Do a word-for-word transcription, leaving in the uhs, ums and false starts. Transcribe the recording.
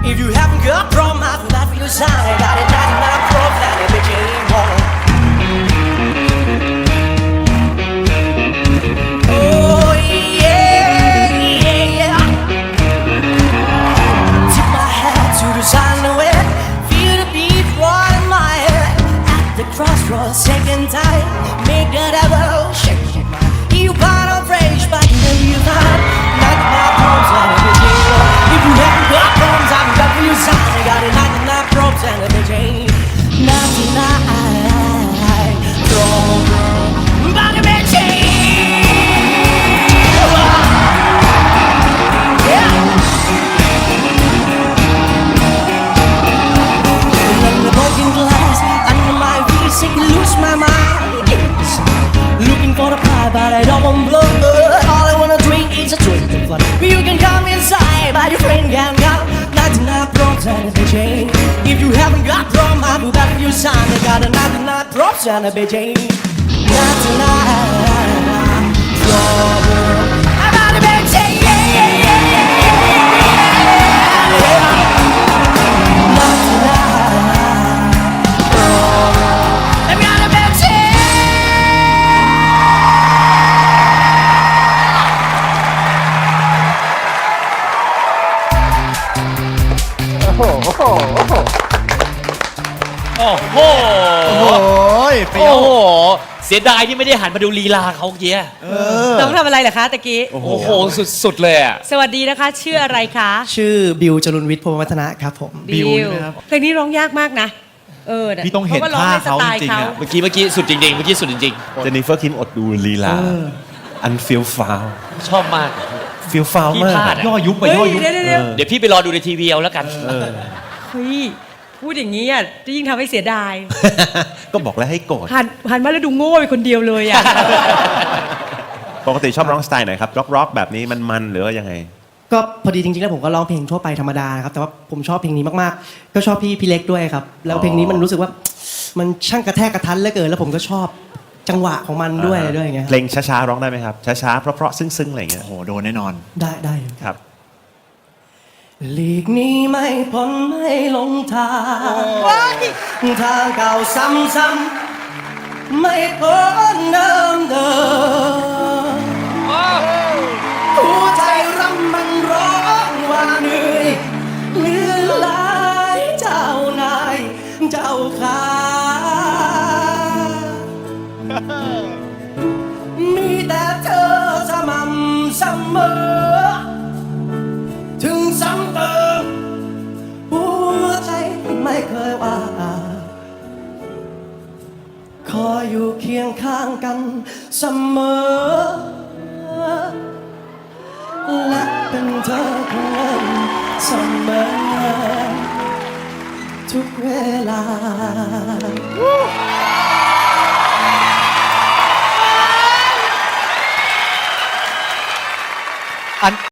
If you haven't got from my life for your side, I got it, not my problem, that became home. Oh yeah, yeah, yeah. Tip my hat to the silhouette, feel the beat right in my head. At the crossroads, second time, make that ever shake, shake my. You part of rage, but you know you got not my problems, that became home. If you haven't got problems, I've got for your side, I got it, not my problems, that became not tonight. Problem, but it became. Lose my mind, looking for the pie, but I don't want blood. All I wanna drink is a drink of blood. You can come inside, but your friend can't come. Not enough drops and a bitch. If you haven't got drum, I will back your son. I got a not enough drops and a bitch. Not enough trouble. I got a bitch. Yeah, yeah, yeah, yeah, yeah, yeah. Not enough. โอ้โหโอ้โหโอ้ยเปรี้ยโอ้วโห เสียดายที่ไม่ได้หันมาดูลีลาเขาเกี้ยต้องทำอะไรเหรอคะตะกี้โอ้โห สุดๆเลยอ่ะสวัสดีนะคะ ชื่ออะไรคะชื่อบิวจรุนวิทย์พรหมวัฒนะครับผมบิวนะครับเพลงนี้ร้องยากมากนะ เออน่ะพี่ต้องเห็นพระว่ร้องในสไตล์ท่าเขาจริงๆอะเมื่อกี้เมื่อกี้สุดจริงๆ เมื่อกี้สุดจริงเจนนิเฟอร์คิมอดดูลีลา อันฟิลฟาวๆ ชอบมากฟิลฟาวพี่มากพลาดอะย่อยุบไปเฮ้ยย่อยุบเดี๋ยวเดี๋ยวเดี๋ยวเดี๋ยวพี่ไปรอดูในทีวีเอาแล้วกันเฮ้ยพูดอย่างนี้อ่ะจะยิ่งทำให้เสียดายก็บอกแล้วให้โกรธหันหันมาแล้วดูโง่ไปคนเดียวเลยอ่ะปกติชอบร้องสไตล์ไหนครับร็อกร็อกแบบนี้มันมันหรือว่ายังไงก็พอดีจริงๆแล้วผมก็ร้องเพลงทั่วไปธรรมดานะครับแต่ว่าผมชอบเพลงนี้มากๆก็ชอบพี่พี่เล็กด้วยครับแล้วเพลงนี้มันรู้สึกว่ามันช่างกระแทกกระทันเหลือเกินแล้วผมก็ชอบจังหวะของมันด้วยอะไรด้วยอย่างเงี้ยเพลงช้าๆร้องได้ไหมครับ ช้าๆ เพราะๆ ซึ้งๆ อะไรอย่างเงี้ยโอ้โหโดนแน่นอนได้ได้ครับหลีกหนี้ไม่พ้นไม่ลงทางทางเก่าซ้ำๆไม่พ้นเดิมเดิมหัวใจรำมันร้องว่าเหนื่อยเหลือหลายเจ้านายเจ้าขามีแต่เธอสม่ำเสมอถึงซ้ำเติมหัวใจไม่เคยว่าขออยู่เคียงข้างกันเสมอและเป็นเธอคนนั้นเสมอทุกเวลาอัน